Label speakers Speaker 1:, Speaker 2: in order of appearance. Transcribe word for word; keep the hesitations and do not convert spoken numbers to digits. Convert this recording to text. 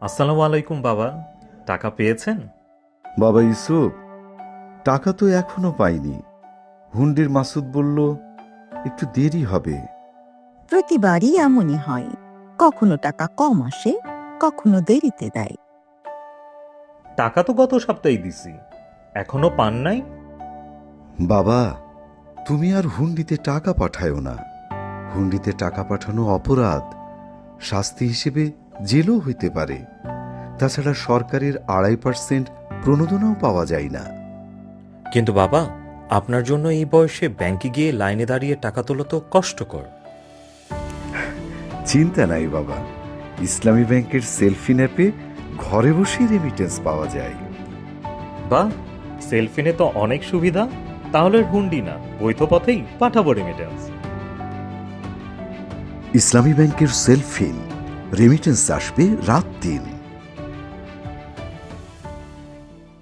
Speaker 1: আসসালামু আলাইকুম বাবা, টাকা পেয়েছেন?
Speaker 2: বাবা ইউসুফ, টাকা তো এখনো পাইনি। হুন্ডির মাসুদ বলল একটু দেরি হবে।
Speaker 3: প্রতিবারই এমনই হয়, কখনো টাকা কম আসে, কখনো দেরিতে দেয়।
Speaker 1: টাকা তো গত সপ্তাহে দিছি, এখনো পান নাই?
Speaker 2: বাবা, তুমি আর হুন্ডিতে টাকা পাঠায়ো না। হুন্ডিতে টাকা পাঠানো অপরাধ, শাস্তি হিসেবে জেলও হইতে পারে। তাছাড়া সরকারের আড়াই পার্সেন্ট প্রণোদনাও পাওয়া যায় না।
Speaker 4: কিন্তু বাবা, আপনার জন্য এই বয়সে ব্যাংকে গিয়ে লাইনে দাঁড়িয়ে টাকা তোলা তো কষ্টকর।
Speaker 2: চিন্তা নাই বাবা, ইসলামী ব্যাংকের সেলফিন অ্যাপে ঘরে বসেই রেমিটেন্স পাওয়া যায়।
Speaker 1: বা সেলফিনে তো অনেক সুবিধা, তাহলে হুন্ডি না বৈধ পথেই পাঠাবো রেমিটেন্স।
Speaker 2: ইসলামী ব্যাংকের সেলফিন, রেমিটেন্স আসবে রাত দিন।